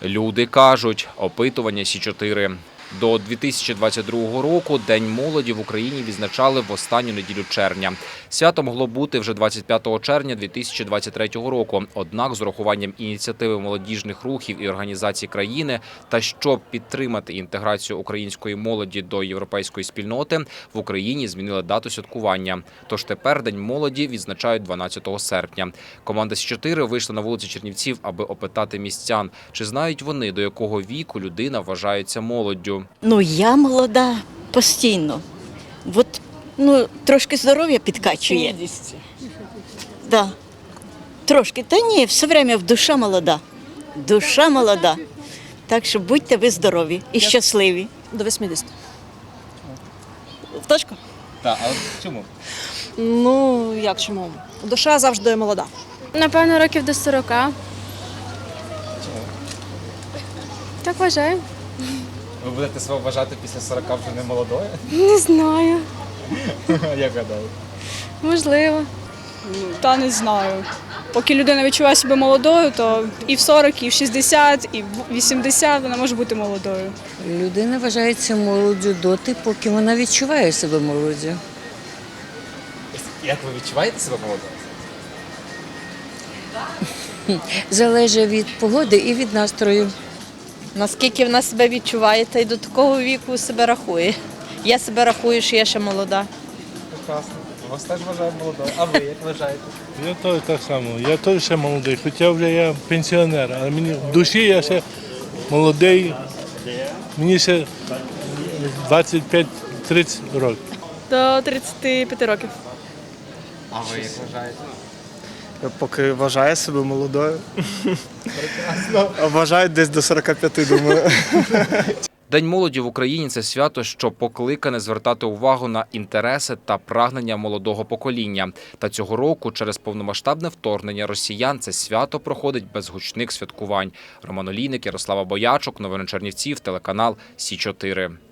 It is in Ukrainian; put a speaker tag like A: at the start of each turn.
A: Люди кажуть, опитування Сі-4. До 2022 року День молоді в Україні відзначали в останню неділю червня. Свято могло бути вже 25 червня 2023 року. Однак з урахуванням ініціативи молодіжних рухів і організацій країни та щоб підтримати інтеграцію української молоді до європейської спільноти, в Україні змінили дату святкування. Тож тепер День молоді відзначають 12 серпня. Команда Сі-4 вийшла на вулиці Чернівців, аби опитати містян, чи знають вони, до якого віку людина вважається молоддю.
B: Ну, я молода постійно. От, трошки здоров'я підкачує.
C: 50.
B: Да. Трошки. Та ні, все время душа молода. Душа молода. Так що будьте ви здорові і щасливі.
C: До 80. В точку?
A: Так, а чому?
C: Ну, як чому? Душа завжди молода.
D: Напевно, років до 40. Так вважаю.
A: Ви будете себе вважати після 40 вже не молодою?
D: Не знаю.
A: Як гадаєте?
D: Можливо.
E: Та не знаю. Поки людина відчуває себе молодою, то і в 40, і в 60, і в 80 вона може бути молодою.
F: Людина вважається молоддю доти, поки вона відчуває себе молоддю.
A: Як ви відчуваєте себе молодою?
F: Залежить від погоди і від настрою.
G: Наскільки вона себе відчуває, та й до такого віку себе рахує. Я себе рахую, що я ще молода.
A: Прекрасно. Вас теж вважають молодою. А ви як вважаєте?
H: Я теж так само. Я теж ще молодий, хоча вже я пенсіонер, але мені в душі я ще молодий. Мені ще 25-30 років.
E: До 35 років.
A: А ви як вважаєте?
I: Поки вважає себе молодою. А вважають десь до 45, думаю.
A: День молоді в Україні – це свято, що покликане звертати увагу на інтереси та прагнення молодого покоління. Та цього року через повномасштабне вторгнення росіян це свято проходить без гучних святкувань. Роман Олійник, Ярослава Боячук, новини Чернівців, телеканал Сі-4.